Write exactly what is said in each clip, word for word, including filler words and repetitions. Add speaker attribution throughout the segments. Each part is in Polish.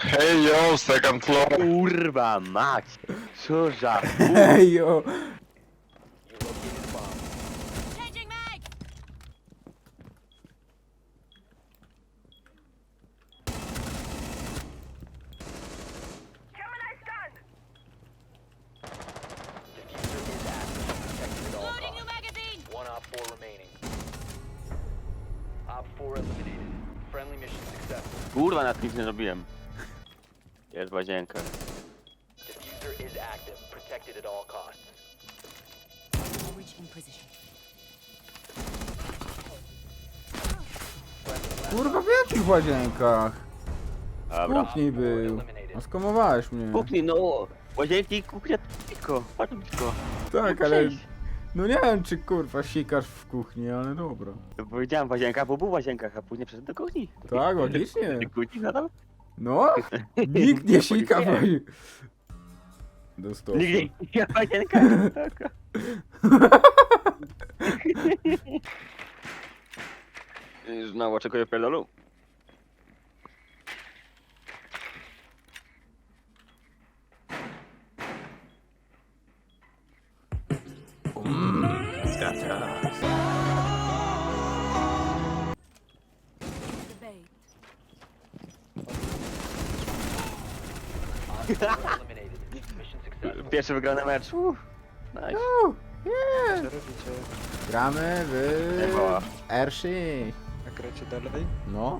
Speaker 1: Hey yo, second floor.
Speaker 2: Kurwa mać! Co za
Speaker 3: Ej, jo.
Speaker 4: Changing mag! Loading new magazine!
Speaker 5: One op four remaining. Op four eliminated. Friendly mission successful.
Speaker 2: kurwa, nad nic nie zrobiłem. Jest łazienka.
Speaker 5: Diffuser is active. Protected at all costs.
Speaker 4: Reach in position.
Speaker 3: Kurwa, w jakich łazienkach? W
Speaker 2: Dobra.
Speaker 3: kuchni był. A skomowałeś mnie.
Speaker 2: Kuchni, no! Łazienki, kuchnia, tylko. Bardzo blisko.
Speaker 3: Tak, ale... No nie wiem, czy kurwa sikasz w kuchni, ale dobra.
Speaker 2: Powiedziałem w łazienkach, bo był w łazienkach, a później przeszedł do kuchni.
Speaker 3: Tak, logicznie.
Speaker 2: Do kuchni nadal?
Speaker 3: No, nikt nie sika w łazie- Do stołu.
Speaker 2: Nigdy nie w łazienkach. Znowu oczekuję pierdolu.
Speaker 4: The bay.
Speaker 5: Op four eliminated. Mission successful.
Speaker 2: Pierwszy wygrany mecz. Uff, nice.
Speaker 3: Uuu, yeah.
Speaker 6: Co robicie?
Speaker 3: Gramy
Speaker 2: Nie była.
Speaker 3: w Erszy.
Speaker 6: A gracie dalej?
Speaker 3: No.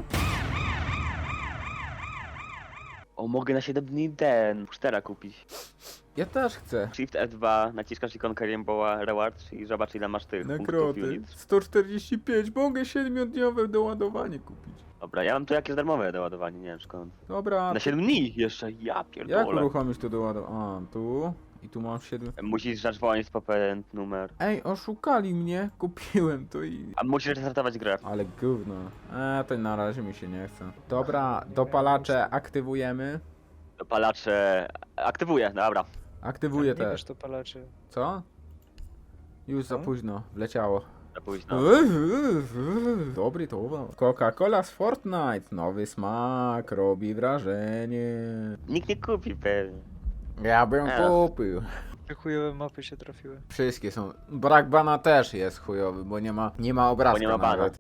Speaker 2: O, mogę na siedem dni ten cztera kupić.
Speaker 3: Ja też chcę.
Speaker 2: Shift F dwa, naciskasz ikonkę Rainbowa Rewards i zobacz ile masz tych punktów
Speaker 3: Nagrody.
Speaker 2: unit.
Speaker 3: sto czterdzieści pięć. Mogę siedmiodniowe doładowanie kupić.
Speaker 2: Dobra, ja mam tu jakieś darmowe doładowanie, nie wiem skąd.
Speaker 3: Dobra.
Speaker 2: Na siedem dni jeszcze, ja
Speaker 3: Jak
Speaker 2: pierdolę.
Speaker 3: uruchomić to doładowanie? A, tu. I tu mam siedem.
Speaker 2: Musisz zadzwonić po pewien numer.
Speaker 3: Ej, oszukali mnie. Kupiłem to i...
Speaker 2: A musisz restartować grę.
Speaker 3: Ale gówno. Eee, to na razie mi się nie chce. Dobra, dopalacze aktywujemy.
Speaker 2: Dopalacze... Aktywuję, dobra.
Speaker 3: Aktywuję
Speaker 6: Nie
Speaker 3: też.
Speaker 6: wiesz to palaczy.
Speaker 3: Co? Już za
Speaker 6: Co?
Speaker 3: późno. Wleciało.
Speaker 2: Za późno.
Speaker 3: Dobry towar. Coca-Cola z Fortnite. Nowy smak. Robi wrażenie.
Speaker 2: Nikt nie kupi pewnie.
Speaker 3: Ja bym
Speaker 2: Eee.
Speaker 3: kupił.
Speaker 6: Te chujowe mapy się trafiły.
Speaker 3: Wszystkie są. Brak bana też jest chujowy, bo nie ma, nie ma obrazka
Speaker 2: nie ma bana.
Speaker 3: nawet.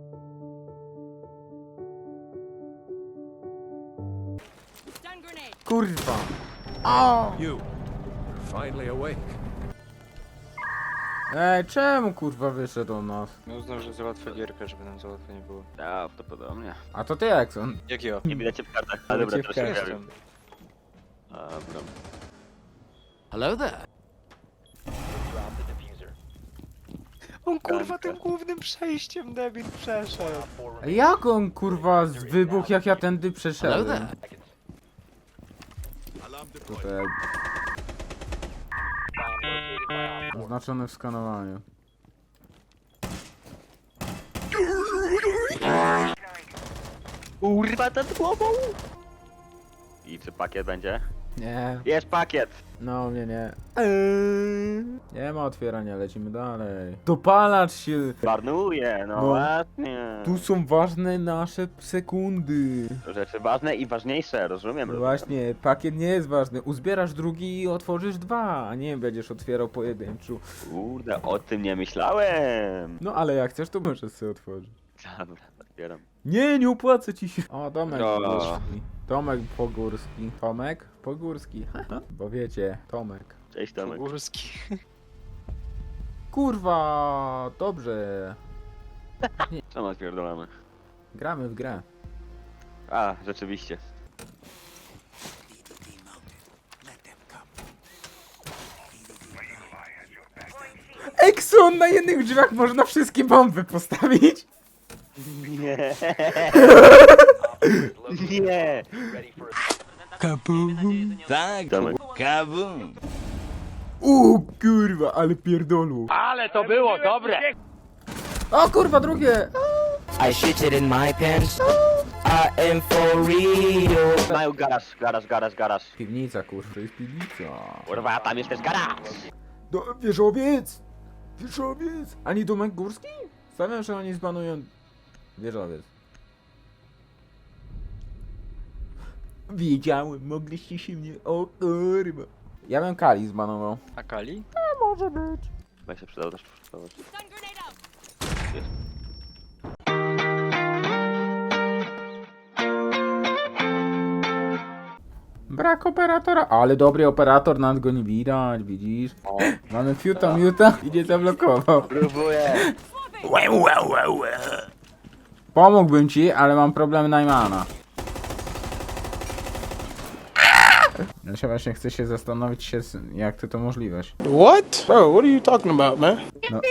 Speaker 4: Stun grenade!
Speaker 3: Kurwa. O!
Speaker 7: You, finally awake.
Speaker 3: Ej, czemu kurwa wyszedł od nas?
Speaker 6: No uznał, że załatwia gierkę, żeby nam załatwo nie było.
Speaker 2: Prawdopodobnie.
Speaker 3: A to ty jak są?
Speaker 6: Jak ja?
Speaker 2: Nie widać cię w kartach. A dobra,
Speaker 3: Cię w
Speaker 2: teraz się
Speaker 3: kartach.
Speaker 2: pojawił. Dobra.
Speaker 7: Hello there.
Speaker 5: Drop the diffuser.
Speaker 6: On kurwa
Speaker 2: Ganka.
Speaker 6: tym głównym przejściem debil przeszedł.
Speaker 5: Op four
Speaker 3: Ej,
Speaker 5: remaining.
Speaker 3: jak on kurwa z wybuch jak ja tędy
Speaker 7: Hello
Speaker 3: przeszedłem?
Speaker 7: there.
Speaker 3: Tutaj
Speaker 5: Bomb located by op four.
Speaker 3: oznaczone w skanowaniu.
Speaker 2: Kurwa, ten głową! I czy pakiet będzie?
Speaker 3: Nie,
Speaker 2: Jest pakiet!
Speaker 3: no mnie nie. Eee, nie ma otwierania, lecimy dalej. Dopalacz się!
Speaker 2: Marnuje, no,
Speaker 3: No.
Speaker 2: ładnie.
Speaker 3: Tu są ważne nasze sekundy.
Speaker 2: Rzeczy ważne i ważniejsze, rozumiem.
Speaker 3: No
Speaker 2: rozumiem.
Speaker 3: właśnie, pakiet nie jest ważny. Uzbierasz drugi i otworzysz dwa, a nie będziesz otwierał pojedynczo.
Speaker 2: Kurde, o tym nie myślałem.
Speaker 3: No ale jak chcesz, to możesz sobie otworzyć.
Speaker 2: Dobra, otwieram.
Speaker 3: Nie, nie opłaca ci się. O, Tomek
Speaker 2: No.
Speaker 3: Pogórski. Tomek Pogórski. Tomek Pogórski. Bo wiecie, Tomek.
Speaker 2: Cześć Tomek.
Speaker 6: Górski.
Speaker 3: Kurwa, dobrze.
Speaker 2: Co ma pierdolamy?
Speaker 3: Gramy w grę.
Speaker 2: A, rzeczywiście.
Speaker 3: Exxon, na jednych drzwiach można wszystkie bomby postawić.
Speaker 2: Nie.
Speaker 5: Located
Speaker 2: Nie.
Speaker 5: ready for
Speaker 7: Tak,
Speaker 2: Tomek.
Speaker 7: kabum.
Speaker 3: O kurwa, ale pierdolu.
Speaker 2: Ale to było dobre!
Speaker 3: O kurwa, drugie.
Speaker 8: I shit it in my pants. I am for real.
Speaker 2: Mają garaż, garaż, garaż, garaż.
Speaker 3: Piwnica, kurwa, to jest piwnica.
Speaker 2: Kurwa, tam jest też garaż.
Speaker 3: Do, wieżowiec! Wieżowiec! Ani Domek Górski? Stawiam, że oni zbanują wieżowiec. Wiedziałem, mogliście się mnie... O kurwa. Ja bym Kali zbanował.
Speaker 6: A Kali?
Speaker 2: Chyba się przydał też przygotować.
Speaker 4: Stun grenade out.
Speaker 3: Brak operatora, ale dobry operator, nad go nie widać, widzisz? Mamy fiuta, miuta, idzie zablokował.
Speaker 2: Próbuję!
Speaker 3: Pomógłbym ci, ale mam problem Najmana. Ja się właśnie chcę się zastanowić się, z- jak ty to możliweś.
Speaker 9: What? Bro, what are you talking about, man?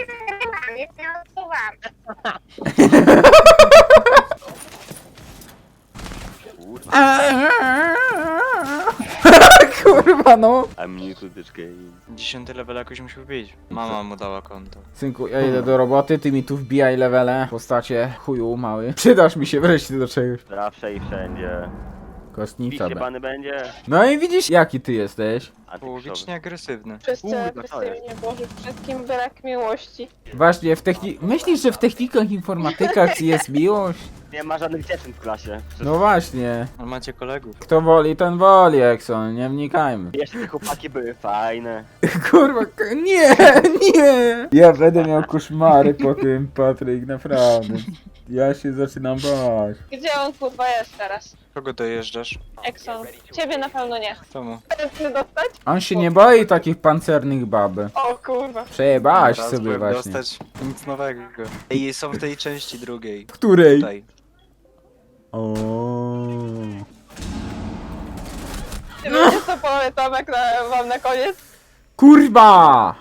Speaker 3: Kurwa no.
Speaker 2: I'm new to this game.
Speaker 6: Dziesiąty level jakoś musi być. Mama mu dała konto.
Speaker 3: Synku, ja idę do roboty, ty mi tu wbijaj levele. W postacie chuju mały. Przydasz mi się wreszcie do czegoś.
Speaker 2: Zawsze i wszędzie.
Speaker 3: Kostnica
Speaker 2: Bicie
Speaker 3: be.
Speaker 2: bany będzie.
Speaker 3: No i widzisz, jaki ty jesteś.
Speaker 6: Połowicznie agresywny.
Speaker 10: Wszyscy
Speaker 2: Kurde,
Speaker 10: agresywnie, Boże, wszystkim brak miłości.
Speaker 3: Właśnie, w techni... Myślisz, że w technikach informatykach jest miłość?
Speaker 2: Nie ma żadnych dziewczyn w klasie.
Speaker 3: No właśnie.
Speaker 6: Ale macie kolegów.
Speaker 3: Kto woli, ten woli, Exxon, nie wnikajmy.
Speaker 2: Jeszcze te chłopaki były fajne.
Speaker 3: Kurwa, k- nie, nie! Ja będę miał koszmary po tym, Patryk, naprawdę. Ja się zaczynam bać.
Speaker 10: Gdzie on kurwa jest teraz?
Speaker 6: Kogo dojeżdżasz?
Speaker 10: Exxon. Ciebie na pewno nie.
Speaker 6: Czemu?
Speaker 10: Chcesz dostać?
Speaker 3: On się nie boi takich pancernych baby.
Speaker 10: O kurwa.
Speaker 3: Przejebałaś
Speaker 6: Teraz
Speaker 3: sobie
Speaker 6: byłem
Speaker 3: właśnie.
Speaker 6: dostać nic nowego. I są w tej części drugiej.
Speaker 3: Której?
Speaker 6: Tutaj.
Speaker 3: O.
Speaker 10: Ty wiecie co powie Tomek na, wam na koniec?
Speaker 3: Kurwa!